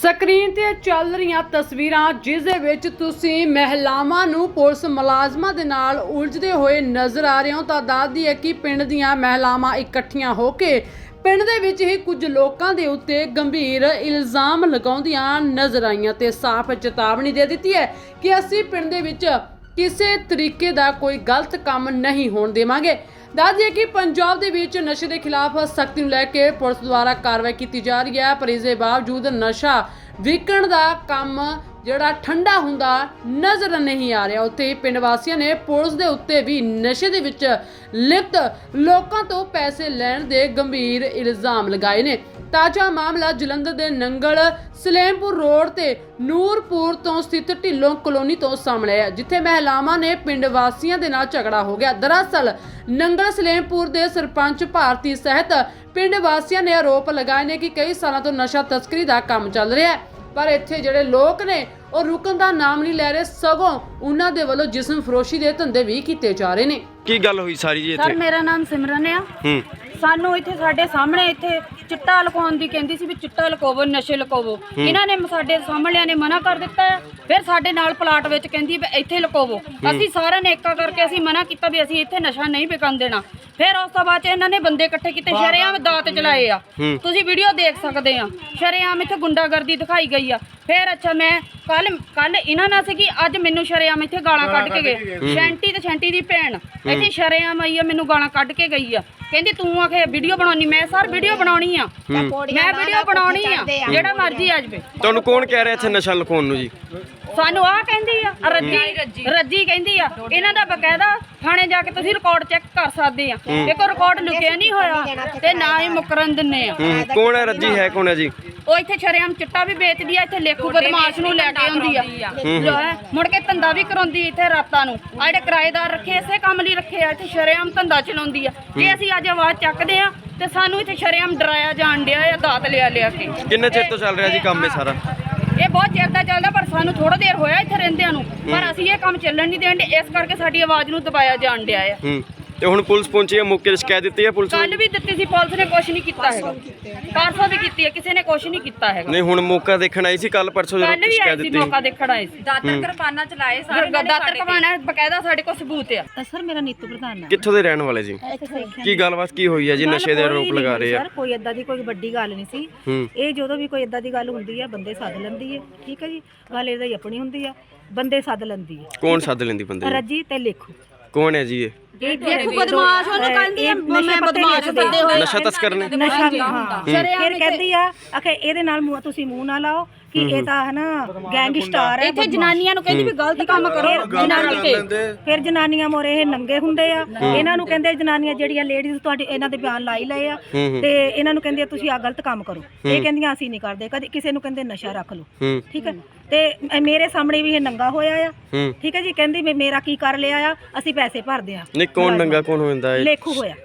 Screen ਤੇ ਚੱਲ ਰਹੀਆਂ ਤਸਵੀਰਾਂ ਜਿਸ ਦੇ ਵਿੱਚ ਤੁਸੀਂ ਮਹਿਲਾਵਾਂ ਨੂੰ ਪੁਲਿਸ ਮੁਲਾਜ਼ਮਾਂ ਦੇ ਨਾਲ ਉਲਝਦੇ ਹੋਏ ਨਜ਼ਰ ਆ ਰਹੇ ਹੋ ਤਾਂ ਦੱਸਦੀ ਹੈ ਕਿ ਪਿੰਡ ਦੀਆਂ ਮਹਿਲਾਵਾਂ ਇਕੱਠੀਆਂ ਹੋ ਕੇ ਪਿੰਡ ਦੇ ਵਿੱਚ ਹੀ ਕੁਝ ਲੋਕਾਂ ਦੇ ਉੱਤੇ ਗੰਭੀਰ ਇਲਜ਼ਾਮ ਲਗਾਉਂਦੀਆਂ ਨਜ਼ਰ ਆਈਆਂ ਤੇ ਸਾਫ਼ ਚੇਤਾਵਨੀ ਦੇ ਦਿੱਤੀ ਹੈ ਕਿ ਅਸੀਂ ਪਿੰਡ ਦੇ ਵਿੱਚ ਕਿਸੇ ਤਰੀਕੇ ਦਾ ਕੋਈ ਗਲਤ ਕੰਮ ਨਹੀਂ ਹੋਣ ਦੇਵਾਂਗੇ। ਦੱਸ ਦਈਏ ਕਿ ਪੰਜਾਬ ਦੇ ਵਿੱਚ ਨਸ਼ੇ ਦੇ ਖਿਲਾਫ ਸਖਤੀ ਨੂੰ ਲੈ ਕੇ ਪੁਲਿਸ ਦੁਆਰਾ ਕਾਰਵਾਈ ਕੀਤੀ ਜਾ ਰਹੀ ਹੈ, ਪਰ ਇਸ ਦੇ ਬਾਵਜੂਦ ਨਸ਼ਾ ਵਿਕਣ ਦਾ ਕੰਮ ਜਿਹੜਾ ਠੰਡਾ ਹੁੰਦਾ ਨਜ਼ਰ ਨਹੀਂ ਆ ਰਿਹਾ। ਉੱਥੇ ਹੀ ਪਿੰਡ ਵਾਸੀਆਂ ਨੇ ਪੁਲਿਸ ਦੇ ਉੱਤੇ ਵੀ ਨਸ਼ੇ ਦੇ ਵਿੱਚ ਲਿਪਤ ਲੋਕਾਂ ਤੋਂ ਪੈਸੇ ਲੈਣ ਦੇ ਗੰਭੀਰ ਇਲਜ਼ਾਮ ਲਗਾਏ ਨੇ। ਤਾਜ਼ਾ ਮਾਮਲਾ ਜਲੰਧਰ ਦੇ ਨੰਗਲ ਸਲੇਮਪੁਰ ਰੋਡ ਤੇ ਨੂਰਪੁਰ ਤੋਂ ਸਥਿਤ ਢਿੱਲੋਂ ਕਲੋਨੀ ਤੋਂ ਸਾਹਮਣੇ ਆਇਆ, ਜਿੱਥੇ ਮਹਿਲਾਵਾਂ ਨੇ ਪਿੰਡ ਵਾਸੀਆਂ ਦੇ ਨਾਲ ਝਗੜਾ ਹੋ ਗਿਆ। ਦਰਅਸਲ ਨੰਗਲ ਸਲੇਮਪੁਰ ਦੇ ਸਰਪੰਚ ਭਾਰਤੀ ਸਹਿਤ ਪਿੰਡ ਵਾਸੀਆਂ ਨੇ ਆਰੋਪ ਲਗਾਏ ਨੇ ਕਿ ਕਈ ਸਾਲਾਂ ਤੋਂ ਨਸ਼ਾ ਤਸਕਰੀ ਦਾ ਕੰਮ ਚੱਲ ਰਿਹਾ ਹੈ, ਪਰ ਇੱਥੇ ਜਿਹੜੇ ਲੋਕ ਨੇ ਉਹ ਰੁਕਣ ਦਾ ਨਾਮ ਨਹੀਂ ਲੈ ਰਹੇ, ਸਗੋਂ ਉਹਨਾਂ ਦੇ ਵੱਲੋਂ ਜਿਸਮ ਫਰੋਸ਼ੀ ਦੇ ਧੰਦੇ ਵੀ ਕੀਤੇ ਜਾ ਰਹੇ ਨੇ। ਕੀ ਗੱਲ ਹੋਈ ਸਾਰੀ ਜੀ ਇੱਥੇ? ਸਰ ਮੇਰਾ ਨਾਮ ਸਿਮਰਨ ਆ। ਸਾਨੂੰ ਇੱਥੇ ਸਾਡੇ ਸਾਹਮਣੇ ਇੱਥੇ ਚਿੱਟਾ ਲੁਕਾਉਣ ਦੀ ਕਹਿੰਦੀ ਸੀ ਵੀ ਚਿੱਟਾ ਲੁਕਾਵੋ, ਨਸ਼ੇ ਲੁਕਾਵੋ। ਇਹਨਾਂ ਨੇ ਸਾਡੇ ਸਾਹਮਣਿਆਂ ਨੇ ਮਨਾ ਕਰ ਦਿੱਤਾ ਹੈ। ਫਿਰ ਸਾਡੇ ਨਾਲ ਪਲਾਟ ਵਿੱਚ ਕਹਿੰਦੀ ਵੀ ਇੱਥੇ ਲੁਕਾਵੋ। ਅਸੀਂ ਸਾਰਿਆਂ ਨੇ ਏਕਾ ਕਰਕੇ ਅਸੀਂ ਮਨਾ ਕੀਤਾ ਵੀ ਅਸੀਂ ਇੱਥੇ ਨਸ਼ਾ ਨਹੀਂ ਵਿਕਣ ਦੇਣਾ। ਫਿਰ ਉਸ ਤੋਂ ਬਾਅਦ ਚ ਇਹਨਾਂ ਨੇ ਬੰਦੇ ਇਕੱਠੇ ਕੀਤੇ, ਸ਼ਰੇਆਮ ਦਾਤ ਚਲਾਏ ਆ। ਤੁਸੀਂ ਵੀਡੀਓ ਦੇਖ ਸਕਦੇ ਆ, ਸ਼ਰੇਆਮ ਇੱਥੇ ਗੁੰਡਾਗਰਦੀ ਦਿਖਾਈ ਗਈ ਆ। ਫਿਰ ਅੱਛਾ ਮੈਂ ਕੱਲ ਇਹਨਾਂ ਨਾਲ ਸੀਗੀ, ਅੱਜ ਮੈਨੂੰ ਸ਼ਰੇਆਮ ਇੱਥੇ ਗਾਲਾਂ ਕੱਢ ਕੇ ਗਏ। ਸ਼ੈਂਟੀ ਤੇ ਸ਼ੈਂਟੀ ਦੀ ਭੈਣ ਇੱਥੇ ਸ਼ਰੇਆਮ ਆਈ ਆ, ਮੈਨੂੰ ਗਾਲਾਂ ਕੱਢ ਕੇ ਗਈ ਆ। ਕਹਿੰਦੀ ਤੂੰ ਆਖੇ ਵੀਡੀਓ ਬਣਾਉਣੀ। ਮੈਂ ਸਰ ਵੀਡੀਓ ਬਣਾਉਣੀ ਆ, ਮੈਂ ਵੀਡੀਓ ਬਣਾਉਣੀ ਆ, ਜਿਹੜਾ ਮਰਜ਼ੀ ਆ ਜਾਵੇ। ਤੁਹਾਨੂੰ ਕੌਣ ਕਹਿ ਰਿਹਾ ਇੱਥੇ ਨਸ਼ਾ ਲੁਕਾਉਣ ਨੂੰ ਜੀ? ਸਾਨੂੰ ਆਹ ਕਹਿੰਦੀ ਆ ਰੱਜੀ ਕਹਿੰਦੀ ਆ। ਇਹਨਾਂ ਦਾ ਬਕਾਇਦਾ ਥਾਣੇ ਜਾ ਕੇ ਤੁਸੀਂ ਰਿਕਾਰਡ ਚੈੱਕ ਕਰ ਸਕਦੇ ਆ। ਇੱਕ ਰਿਕਾਰਡ ਲੁਕਿਆ ਨਹੀਂ ਹੋਇਆ ਤੇ ਨਾ ਹੀ ਮੁਕਰਨ ਦਿੰਨੇ ਆ। ਕੌਣ ਹੈ ਰੱਜੀ? ਹੈ ਕੌਣ ਹੈ ਜੀ? ਉਹ ਇੱਥੇ ਸ਼ਰੇਆਮ ਚਿੱਟਾ ਵੀ ਵੇਚਦੀ ਆ, ਇੱਥੇ ਲੇਖੂ ਬਦਮਾਸ਼ ਨੂੰ ਲੈ ਕੇ ਆਉਂਦੀ ਆ। ਮੁੜ ਕੇ ਧੰਦਾ ਵੀ ਕਰਾਉਂਦੀ ਇੱਥੇ ਰਾਤਾਂ ਨੂੰ। ਆ ਜਿਹੜੇ ਕਿਰਾਏਦਾਰ ਰੱਖੇ ਇਸੇ ਕੰਮ ਲਈ ਰੱਖੇ ਆ, ਇੱਥੇ ਸ਼ਰੇਆਮ ਧੰਦਾ ਚਲਾਉਂਦੀ ਆ। ਜੇ ਅਸੀਂ ਅੱਜ ਆਵਾਜ਼ ਚੱਕਦੇ ਆ ਤੇ ਸਾਨੂੰ ਇੱਥੇ ਸ਼ਰੇਆਮ ਡਰਾਇਆ ਜਾਣ ਡਿਆ ਆ, ਦਾਤ ਲਿਆ ਕੇ। ਕਿੰਨੇ ਚਿਰ ਤੋਂ ਚੱਲ ਰਿਹਾ ਜੀ ਕੰਮ ਇਹ ਸਾਰਾ? ਇਹ ਬਹੁਤ ਚਿਰ ਦਾ ਚੱਲਦਾ, ਪਰ ਸਾਨੂੰ ਥੋੜਾ ਦੇਰ ਹੋਇਆ ਇੱਥੇ ਰਹਿੰਦਿਆਂ ਨੂੰ, ਪਰ ਅਸੀਂ ਇਹ ਕੰਮ ਚੱਲਣ ਨਹੀਂ ਦੇਣ ਦੇ। ਇਸ ਕਰਕੇ ਸਾਡੀ ਆਵਾਜ਼ ਨੂੰ ਦਬਾਇਆ ਜਾਣ ਡਿਆ ਆ। ਤੇ ਹੁਣ ਪੁਲਿਸ ਪਹੁੰਚੀ ਹੈ, ਮੌਕੇ ਤੇ ਸ਼ਿਕਾਇਤ ਦਿੱਤੀ ਹੈ ਪੁਲਿਸ ਨੂੰ? ਕੱਲ ਵੀ ਦਿੱਤੀ ਸੀ, ਪੁਲਿਸ ਨੇ ਕੁਛ ਨਹੀਂ ਕੀਤਾ ਹੈਗਾ। ਪਰਸੋਂ ਵੀ ਕੀਤੀ ਹੈ, ਕਿਸੇ ਨੇ ਕੁਛ ਨਹੀਂ ਕੀਤਾ ਹੈਗਾ। ਨਹੀਂ ਹੁਣ ਮੌਕਾ ਦੇਖਣ ਆਈ ਸੀ ਕੱਲ ਪਰਸੋਂ ਜਦੋਂ ਕੱਲ ਵੀ ਸ਼ਿਕਾਇਤ ਆਈ ਸੀ, ਦਿੱਤੀ? ਮੌਕਾ ਦੇਖਣ ਆਏ ਸੀ। ਦਾਤਰ ਕਿਰਪਾਨਾਂ ਚਲਾਏ ਸਾਰੇ ਦਾਤਰ ਕਮਾਣਾ ਬਕਾਇਦਾ ਸਾਡੇ ਕੋਲ ਸਬੂਤ ਆ। ਸਰ ਮੇਰਾ ਨੀਤੂ ਪ੍ਰਧਾਨ ਹੈ। ਕਿੱਥੋਂ ਦੇ ਰਹਿਣ ਵਾਲੇ ਜੀ? ਕੀ ਗੱਲਬਾਤ ਕੀ ਹੋਈ ਹੈ ਜੀ? ਨਸ਼ੇ ਦੇ ਆਰੋਪ ਲਗਾ ਰਹੇ ਆ। ਸਰ ਕੋਈ ਏਦਾਂ ਦੀ ਕੋਈ ਵੱਡੀ ਗੱਲ ਨਹੀਂ ਸੀ। ਇਹ ਜਦੋਂ ਵੀ ਕੋਈ ਏਦਾਂ ਦੀ ਗੱਲ ਹੁੰਦੀ ਹੈ ਬੰਦੇ ਸੱਦ ਲੈਂਦੀ ਹੈ, ਠੀਕ ਹੈ ਜੀ। ਗੱਲ ਇਹਦਾ ਹੀ ਆਪਣੀ ਹੁੰਦੀ ਆ, ਬੰਦੇ ਸੱਦ ਲੈਂਦੀ ਹੈ। ਕੌਣ ਸੱਦ ਲੈਂਦੀ ਬੰਦੇ? ਰੱਜੀ ਤੇ ਲੇਖੂ। ਕੌਣ ਹੈ ਜੀ ਇਹ? ਦੇਖੋ ਬਦਮਾਸ਼ ਉਹਨੂੰ ਕਹਿੰਦੀ ਆ, ਮੈਂ ਬਦਮਾਸ਼ ਬੰਦੇ ਹੋਏ ਨਸ਼ਾ ਤਸਕਰ ਨੇ? ਨਸ਼ਾ ਹਾਂ। ਫਿਰ ਕਹਿੰਦੀ ਆ ਆਖੇ ਇਹਦੇ ਨਾਲ ਤੁਸੀਂ ਮੂੰਹ ਨਾ ਲਾਓ ਕਿ ਇਹ ਤਾਂ ਹੈ ਨਾ ਗੈਂਗਸਟਰ ਹੈ। ਇੱਥੇ ਜਨਾਨੀਆਂ ਨੂੰ ਕਹਿੰਦੀ ਵੀ ਗਲਤ ਕੰਮ ਕਰੋ ਜਨਾਨੀ ਤੇ। ਫਿਰ ਜਨਾਨੀਆਂ ਮੋਰੇ ਇਹ ਨੰਗੇ ਹੁੰਦੇ ਆ। ਇਹਨਾਂ ਨੂੰ ਕਹਿੰਦੇ ਜਨਾਨੀਆਂ ਜਿਹੜੀਆਂ ਲੇਡੀਜ਼ ਤੁਹਾਡੇ ਇਹਨਾਂ ਦੇ ਬਿਆਨ ਲਾਈ ਲਏ ਆ ਤੇ ਇਹਨਾਂ ਨੂੰ ਕਹਿੰਦੇ ਤੁਸੀਂ ਆ ਗਲਤ ਕੰਮ ਕਰੋ। ਇਹ ਕਹਿੰਦੀਆਂ ਅਸੀਂ ਨਹੀਂ ਕਰਦੇ। ਕਦੇ ਕਿਸੇ ਨੂੰ ਕਹਿੰਦੇ ਨਸ਼ਾ ਰੱਖ ਲਓ, ਠੀਕ ਹੈ। ਤੇ ਮੇਰੇ ਸਾਹਮਣੇ ਵੀ ਇਹ ਨੰਗਾ ਹੋਇਆ ਆ, ਠੀਕ ਹੈ ਜੀ। ਕਹਿੰਦੀ ਵੀ ਮੇਰਾ ਕੀ ਕਰ ਲਿਆ ਆ, ਅਸੀਂ ਪੈਸੇ ਭਰਦੇ ਆ। ਨਹੀਂ ਕੌਣ ਨੰਗਾ ਕੌਣ ਹੋ ਜਾਂਦਾ ਹੈ? ਲੇਖੂ ਹੋਇਆ।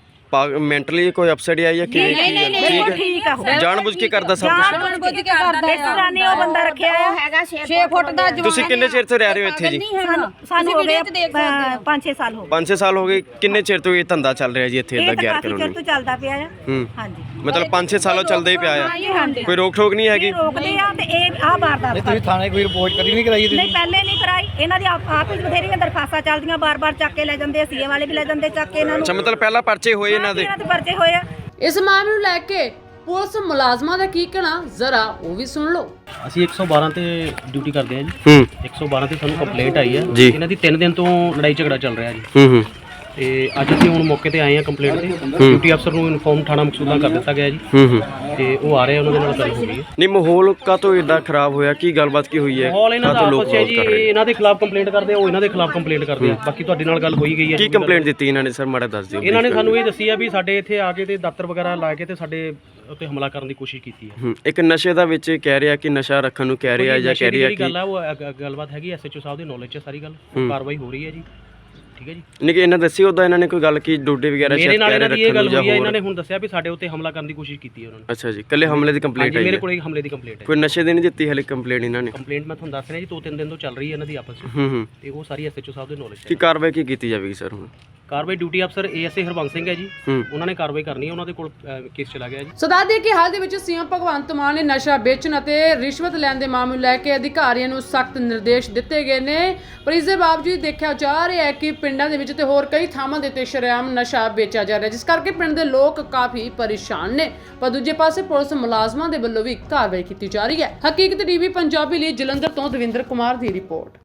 ਮੈਂਟਲੀ ਕੋਈ ਅਪਸੈਟ ਆਈ ਹੈ ਕਿ ਨਹੀਂ ਠੀਕ ਆ। ਜਾਣਬੁੱਝ ਕੇ ਕਰਦਾ ਸਭ ਕੁਝ? ਜਾਣਬੁੱਝ ਕੇ ਕਰਦਾ ਇਸ ਤਰ੍ਹਾਂ ਨਹੀਂ ਉਹ ਬੰਦਾ ਰੱਖਿਆ ਆ ਹੈਗਾ 6 ਫੁੱਟ ਦਾ ਜਵਾਨ। ਤੁਸੀਂ ਕਿੰਨੇ ਚਿਰ ਤੋਂ ਰਹਿ ਰਹੇ ਹੋ ਇੱਥੇ ਜੀ? ਸਾਨੂੰ ਹੋ ਗਏ 5-6 ਸਾਲ ਹੋ ਗਏ। 5-6 ਸਾਲ ਹੋ ਗਏ। ਕਿੰਨੇ ਚਿਰ ਤੋਂ ਇਹ ਧੰਦਾ ਚੱਲ ਰਿਹਾ ਜੀ ਇੱਥੇ? ਇਦਾਂ ਗੈਰ ਕਾਫੀ ਚਿਰ ਤੋਂ ਚੱਲਦਾ ਪਿਆ ਆ। ਹਾਂਜੀ ਮਤਲਬ 5-6 ਸਾਲੋਂ ਚੱਲਦਾ ਹੀ ਪਿਆ ਆ। ਕੋਈ ਰੋਕ ਠੋਕ ਨਹੀਂ ਹੈਗੀ? ਰੋਕਦੇ ਆ ਤੇ ਇਹ ਆ ਵਾਰਦਾਤ। ਤੁਸੀਂ ਥਾਣੇ ਕੋਈ ਰਿਪੋਰਟ ਕਦੀ ਨਹੀਂ ਕਰਾਈ? ਨਹੀਂ ਪਹਿਲੇ ਨਹੀਂ ਕਰਾਈ। ਇਹਨਾਂ ਦੀ ਆਪ ਹੀ ਬਥੇਰੀਆਂ ਦਰਖਾਸਤਾਂ ਚੱਲਦੀਆਂ, ਬਾਰ-ਬਾਰ ਚੱਕ ਕੇ ਲੈ ਜਾਂਦੇ। ਸੀਏ ਵਾਲੇ ਵੀ ਲੈ ਜਾਂਦੇ ਚੱਕ ਕੇ ਇਹਨਾਂ ਨੂੰ। ਅੱਛਾ ਮਤਲਬ ਪਹਿਲਾਂ ਪਰਚੇ ਹੋਏ ਇਹਨਾਂ ਦੇ? ਪਰਚੇ ਹੋਏ ਆ। ਇਸ ਮਾਮਲੇ ਨੂੰ ਲੈ ਕੇ ਪੁਲਿਸ ਮੁਲਾਜ਼ਮਾਂ ਦਾ ਕੀ ਕਹਿਣਾ ਜ਼ਰਾ ਉਹ ਵੀ ਸੁਣ ਲਓ। ਅਸੀਂ 112 ਤੇ ਡਿਊਟੀ ਕਰਦੇ ਹਾਂ ਜੀ। 112 ਤੇ ਸਾਨੂੰ ਕੰਪਲੇਂਟ ਆਈ ਹੈ। ਇਹਨਾਂ ਦੀ 3 ਦਿਨ ਤੋਂ ਲੜਾਈ ਝਗੜਾ ਚੱਲ ਰਿਹਾ ਜੀ। ਤੇ ਅੱਜ ਅਸੀਂ ਹੁਣ ਮੌਕੇ ਤੇ ਆਏ ਹਾਂ ਕੰਪਲੇਂਟ ਤੇ। ਡਿਊਟੀ ਅਫਸਰ ਨੂੰ ਇਨਫੋਰਮ ਥਾਣਾ ਮਕਸੂਦਾਂ ਕਰ ਦਿੱਤਾ ਗਿਆ ਜੀ। ਤੇ ਉਹ ਆ ਰਹੇ ਉਹਨਾਂ ਦੇ ਨਾਲ ਗੱਲ ਹੋ ਰਹੀ ਹੈ। ਨਹੀਂ ਮਾਹੌਲ ਕਾਹਤੋਂ ਇਦਾਂ ਖਰਾਬ ਹੋਇਆ? ਕੀ ਗੱਲਬਾਤ ਕੀ ਹੋਈ ਹੈ? ਮਾਹੌਲ ਇਹਨਾਂ ਦਾ ਆਪਸ ਹੈ ਜੀ। ਇਹਨਾਂ ਦੇ ਖਿਲਾਫ ਕੰਪਲੇਂਟ ਕਰਦੇ ਆ, ਉਹ ਇਹਨਾਂ ਦੇ ਖਿਲਾਫ ਕੰਪਲੇਂਟ ਕਰਦੇ ਆ। ਬਾਕੀ ਤੁਹਾਡੇ ਨਾਲ ਗੱਲ ਹੋਈ ਗਈ ਹੈ। ਕੀ ਕੰਪਲੇਂਟ ਦਿੱਤੀ ਇਹਨਾਂ ਨੇ ਸਰ? ਮਾੜਾ ਦੱਸ ਦਿਓ। ਇਹਨਾਂ ਨੇ ਸਾਨੂੰ ਇਹ ਦੱਸੀ ਆ ਵੀ ਸਾਡੇ ਇੱਥੇ ਆ ਕੇ ਤੇ ਦਾਤਰ ਵਗੈਰਾ ਲਾ ਕੇ ਤੇ ਸਾਡੇ ਉੱਤੇ ਹਮਲਾ ਕਰਨ ਦੀ ਕੋਸ਼ਿਸ਼ ਕੀਤੀ ਹੈ। ਇੱਕ ਨਸ਼ੇ ਦਾ ਵਿੱਚ ਕਹਿ ਰਿਹਾ ਕਿ ਨਸ਼ਾ ਰੱਖਣ ਨੂੰ ਕਹਿ ਰਿਹਾ ਜਾਂ ਕਹਿ ਰਿਹਾ ਕਿ ਗੱਲ ਆ ਉਹ ਗੱਲਬਾਤ ਹੈਗੀ। ਐਸਐਚਓ ਸਾਹਿਬ ਦੀ ਨੌਲੇਜ 'ਚ ਸਾਰੀ ਗੱਲ ਕਾਰਵਾਈ ਹੋ ਰਹੀ ਹੈ ਜੀ। ਠੀਕ ਹੈ ਜੀ। ਨਹੀਂ ਕਿ ਇਹਨਾਂ ਦੱਸੀ ਉਦਾਂ ਇਹਨਾਂ ਨੇ ਕੋਈ ਗੱਲ ਕੀ ਡੋਡੇ ਵਗੈਰਾ ਮੇਰੇ ਨਾਲ ਇਹਨਾਂ ਦੀ ਇਹ ਗੱਲ ਹੋਈ ਹੈ। ਇਹਨਾਂ ਨੇ ਹੁਣ ਦੱਸਿਆ ਵੀ ਸਾਡੇ ਉੱਤੇ ਹਮਲਾ ਕਰਨ ਦੀ ਕੋਸ਼ਿਸ਼ ਕੀਤੀ ਹੈ ਉਹਨਾਂ ਨੇ। ਅੱਛਾ ਜੀ। ਕੱਲੇ ਹਮਲੇ ਦੀ ਕੰਪਲੇਂਟ ਆਈ? ਮੇਰੇ ਕੋਲ ਇੱਕ ਹਮਲੇ ਦੀ ਕੰਪਲੇਂਟ ਹੈ। ਕੋਈ ਨਸ਼ੇ ਦੀ ਨਹੀਂ ਦਿੱਤੀ ਹਲੇ ਕੰਪਲੇਂਟ ਇਹਨਾਂ ਨੇ? ਕੰਪਲੇਂਟ ਮੈਂ ਤੁਹਾਨੂੰ ਦੱਸ ਰਿਹਾ ਜੀ 2-3 ਦਿਨ ਤੋਂ ਚੱਲ ਰਹੀ ਹੈ ਇਹਨਾਂ ਦੀ ਆਪਸ ਵਿੱਚ। ਤੇ ਉਹ ਸਾਰੀ ਐਸਐਚਓ ਸਾਹਿਬ ਦੇ ਨੌਲੇਜ 'ਚ। ਕੀ ਕਾਰਵਾਈ ਕੀ ਕੀਤੀ ਜਾਵੇਗੀ ਸਰ ਹੁਣ? ਕਾਰਵਾਈ ਡਿਊਟੀ ਅਫਸਰ ਏਐਸਏ ਹਰਬੰਸ ਸਿੰਘ ਹੈ ਜੀ, ਉਹਨਾਂ ਨੇ ਕਾਰਵਾਈ ਕਰਨੀ ਹੈ, ਉਹਨਾਂ ਦੇ ਕੋਲ ਕੇਸ ਚਲਾ ਗਿਆ ਜੀ। ਸੋ ਦੱਸ ਦਈਏ ਕਿ ਹਾਲ ਦੇ ਵਿੱਚ ਸੀਐਮ ਭਗਵੰਤ ਮਾਨ ਨੇ ਨਸ਼ਾ ਵੇਚਣ ਅਤੇ ਰਿਸ਼ਵਤ ਲੈਣ ਦੇ ਮਾਮਲੇ ਨੂੰ ਲੈ ਕੇ ਅਧਿਕਾਰੀਆਂ ਨੂੰ ਸਖਤ ਨਿਰਦੇਸ਼ ਦਿੱਤੇ ਗਏ ਨੇ, ਪਰ ਇਸ ਦੇ ਬਾਵਜੂਦ ਦੇਖਿਆ ਜਾ ਰਿਹਾ ਹੈ ਕਿ ਪਿੰਡਾਂ ਦੇ ਵਿੱਚ ਤੇ ਹੋਰ ਕਈ ਥਾਵਾਂ ਦੇ ਉੱਤੇ ਸ਼ਰੇਆਮ ਨਸ਼ਾ ਵੇਚਿਆ ਜਾ ਰਿਹਾ, ਜਿਸ ਕਰਕੇ ਪਿੰਡ ਦੇ ਲੋਕ ਕਾਫੀ ਪਰੇਸ਼ਾਨ ਨੇ। ਪਰ ਦੂਜੇ ਪਾਸੇ ਪੁਲਿਸ ਮੁਲਾਜ਼ਮਾਂ ਦੇ ਵੱਲੋਂ ਵੀ ਕਾਰਵਾਈ ਕੀਤੀ ਜਾ ਰਹੀ ਹੈ। ਹਕੀਕਤ ਟੀਵੀ ਪੰਜਾਬੀ ਲਈ ਜਲੰਧਰ ਤੋਂ ਦਵਿੰਦਰ ਕੁਮਾਰ ਦੀ ਰਿਪੋਰਟ।